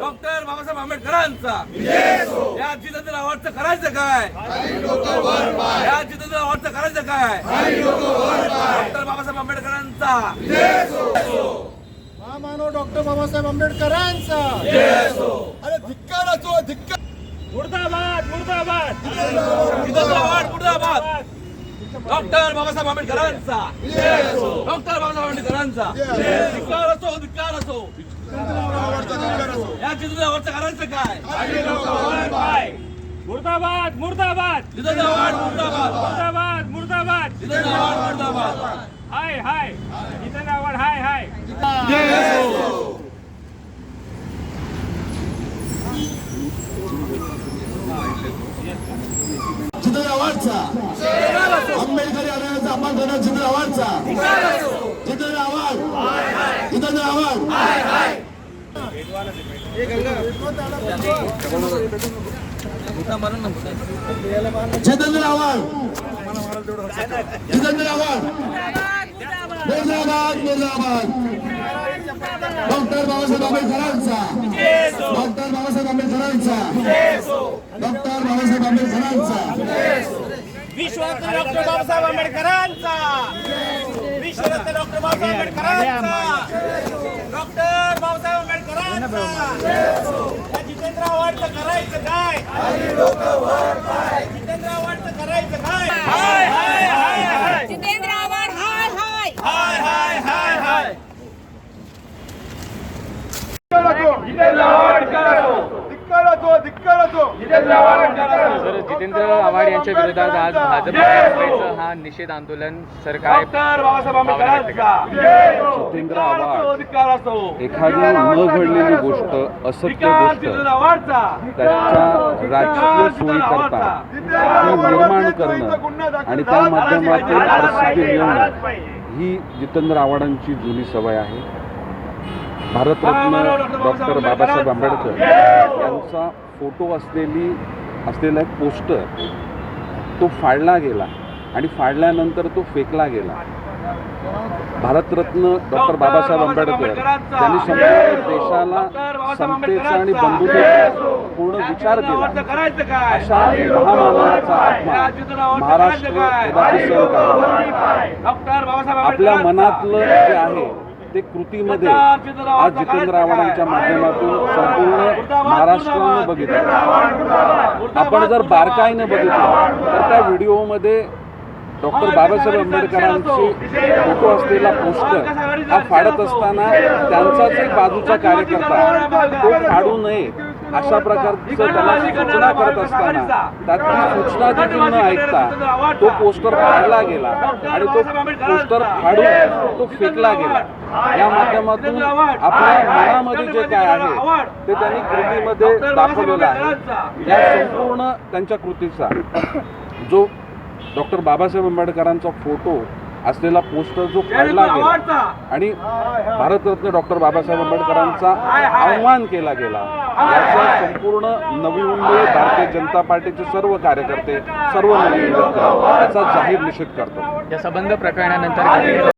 Doctor Babasaheb आंबेडकरांचा या जितेंद्र आव्हाडचं करायचं काय? या जितेंद्र आव्हाडचं करायचं काय? डॉक्टर बाबासाहेब आंबेडकरांचा महामानव डॉक्टर बाबासाहेब आंबेडकरांचा अरे धिक्कार असो धिक्कार. मुर्दाबाद मुर्दाबाद जितेंद्र आव्हाड मुर्दाबाद. डॉक्टर बाबासाहेब आंबेडकरांचा डॉक्टर बाबासाहेब आंबेडकरांचा धिक्कार असो धिक्कार असो. या जितेंद्र आव्हाडचं करायचं काय? मुर्दाबाद मुर्दाबाद जितेंद्र आव्हाड मुर्दाबाद. मुर्दाबाद मुर्दाबाद जितेंद्र आव्हाड मुर्दाबाद. हाय hi Jitendra Awhad hi hi. Jitendra आव्हाडचा आंबेडकरी आंदोलनाचा अपमान करणारा जितेंद्र आव्हाडचा जितेंद्र आव्हाड जितेंद्र आव्हाड जितेंद्र आव्हाड जितेंद्र आव्हाड मुर्दाबाद मुर्दाबाद. डॉक्टर बाबासाहेब आंबेडकरांचा डॉक्टर बाबासाहेब आंबेडकरांचा डॉक्टर बाबासाहेब आंबेडकरांचा विश्वरत्न डॉक्टर बाबासाहेब आंबेडकरांचा विश्वरत्न डॉक्टर बाबासाहेब आंबेडकरांचा डॉक्टर बाबासाहेब आंबेडकरांचा. या जितेंद्र आव्हाडचं करायचं काय? जितेंद्र आव्हाडचं करायचं काय? Hi hi hi hi Jitendra Awhad hi hi hi hi hi hi. Sir, Jitendra Awhad यांच्या विरोधात आज भाजप काँग्रेसचं हा निषेध आंदोलन सरकार डॉक्टर बाबासाहेब आंबेडकरांचा जितेंद्र आव्हाड धिक्कार असो. एखादी न घडलेली गोष्ट असत्य धिक्कार गोष्ट जितेंद्र आव्हाडचा. त्याच्या राजकीय सोयीकरता ती निर्माण करणं आणि त्या माध्यमातून प्रसिद्धी मिळवणं ही जितेंद्र आव्हाडांची जुनी सवय आहे. भारतरत्न डॉक्टर बाबासाहेब आंबेडकर यांचा फोटो असलेला एक पोस्टर तो फाडला गेला आणि फाडल्यानंतर तो फेकला गेला. भारतरत्न डॉक्टर बाबासाहेब आंबेडकर त्यांनी संपूर्ण देशाला समतेचा आणि बंधुतेचा पूर्ण विचार केला. अशा महामानवाचा अपमान महाराष्ट्र कदापि सहन करणार. आपल्या मनातलं जे आहे ते कृतीमध्ये आज जितेंद्र आव्हाडांच्या माध्यमातून संपूर्ण महाराष्ट्रानं बघितलं. आपण जर बारकाईने बघितलं तर त्या व्हिडिओमध्ये डॉक्टर बाबासाहेब आंबेडकरांचे फोटो असलेला पोस्टर हा फाडत असताना त्यांचाच एक बाजूचा कार्यकर्ता तो फाडू नये अशा प्रकारचं त्याला सूचना करत असताना त्यात ती सूचना देखील न ऐकता तो पोस्टर फाडला गेला आणि तो पोस्टर फाडून तो फेकला गेला. या माध्यमातून आपल्या मनामध्ये जे काय आहे ते त्यांनी कृतीमध्ये दाखवलेलं आहे. या संपूर्ण त्यांच्या कृतीचा जो डॉक्टर बाबासाहेब आंबेडकरांचा फोटो असलेला पोस्टर जो फाडला गेला आणि भारतरत्न डॉक्टर बाबासाहेब आंबेडकरांचा आव्हान केला गेला याचा संपूर्ण नवी मुंबई भारतीय जनता पार्टीचे सर्व कार्यकर्ते सर्व नवी मुंबईकर याचा जाहीर निषेध करतात. या संबंध प्रकरणानंतर